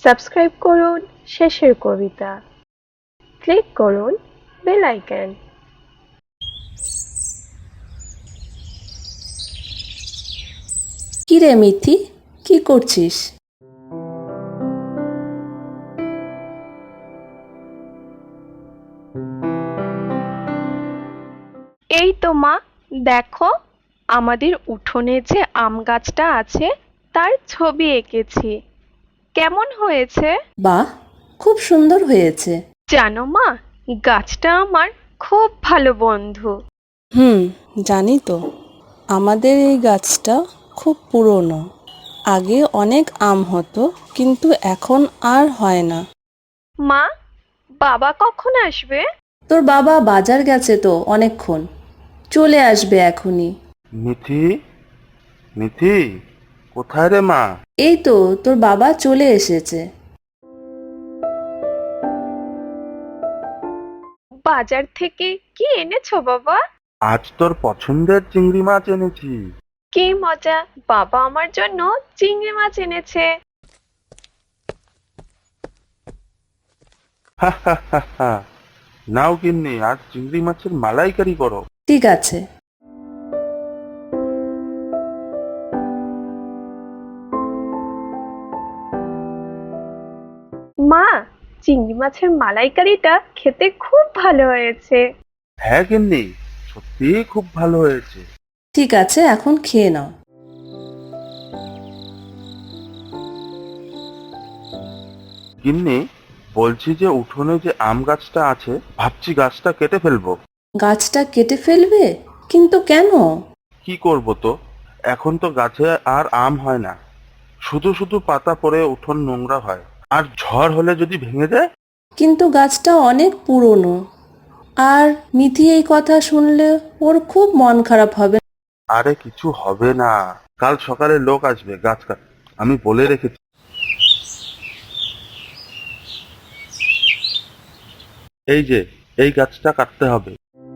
Subscribe করুন শেষের কবিতা, ক্লিক করুন বেল আইকন। কি রে মিথি, কি করছিস? এই তো মা, দেখো আমাদের উঠোনে যে আম গাছটা আছে তার ছবি এঁকেছি। কেমন হয়েছে? বাহ, খুব সুন্দর হয়েছে। জানো মা, গাছটা আমার খুব ভালো বন্ধু। জানি তো। আমাদের এই গাছটা খুব পুরনো। আগে অনেক আম হতো, কিন্তু এখন আর হয় না। মা, বাবা কখন আসবে? তোর বাবা বাজার গেছে তো অনেকক্ষণ, চলে আসবে এখনই। মিথি, মিথি, কোথায় রে মা? এই তো তোর বাবা চলে এসেছে। বাজার থেকে কি এনেছো বাবা? আজ তোর পছন্দের চিংড়ি মাছ এনেছি। কি মজা, বাবা আমার জন্য চিংড়ি মাছ এনেছে। হা হা হা হা। নাও গিন্নি, আজ চিংড়ি মাছের মালাইকারি করো। ঠিক আছে। মা, চিংড়ি মাছের মালাইকারিটা খেতে খুব ভালো হয়েছে। হ্যাঁ গিন্নি, সত্যিই খুব ভালো হয়েছে। ঠিক আছে, এখন খেয়ে নাও। গিন্নি, বলছি যে উঠোনে যে আম গাছটা আছে, ভাবছি গাছটা কেটে ফেলবো। গাছটা কেটে ফেলবে? কিন্তু কেন? কি করব তো, এখন তো গাছে আর আম হয় না, শুধু শুধু পাতা পড়ে উঠোন নোংরা হয়। আর ঝড় হলে যদি ভেঙে যায়? কিন্তু গাছটা অনেক পুরনো, আর মিথি এই কথা শুনলে ওর খুব মন খারাপ হবে। আরে কিছু হবে না, কাল সকালে লোক আসবে গাছ কাটতে, আমি বলে রেখেছি। এই যে, এই গাছটা কাটতে হবে।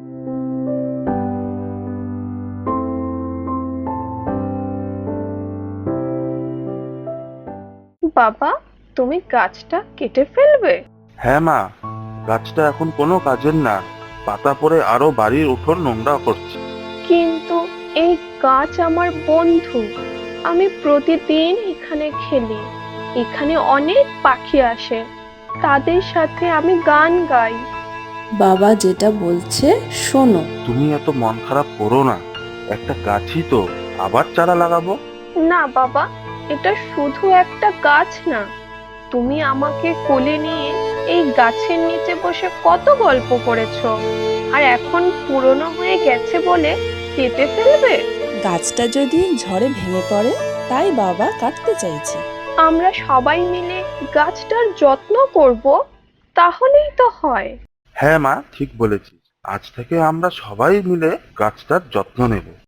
বাবা, তুমি গাছটা কেটে ফেলবে? হ্যাঁ মা, গাছটা এখন কোনো কাজের না, পাতা পড়ে আরো বাড়ির উঠোন নোংরা করছে। কিন্তু এই গাছ আমার বন্ধু, আমি প্রতিদিন এখানে খেলি, এখানে অনেক পাখি আসে, তাদের সাথে আমি গান গাই। বাবা যেটা বলছে শোনো। তুমি এত মন খারাপ করো না, একটা গাছই তো, আবার চারা লাগাবো। না বাবা, এটা শুধু একটা গাছ না, তুমি আমাকে কোলে নিয়ে এই গাছের নিচে বসে কত গল্প করেছো, আর এখন পুরনো হয়ে গেছে বলে কেটে ফেলবে? গাছটা যদি ঝড়ে ভেঙে পড়ে, তাই বাবা কাটতে চাইছে। আমরা সবাই মিলে গাছটার যত্ন করব, তাহলেই তো হয়। হ্যাঁ মা, ঠিক বলেছিস, আজ থেকে আমরা সবাই মিলে গাছটার যত্ন নেব।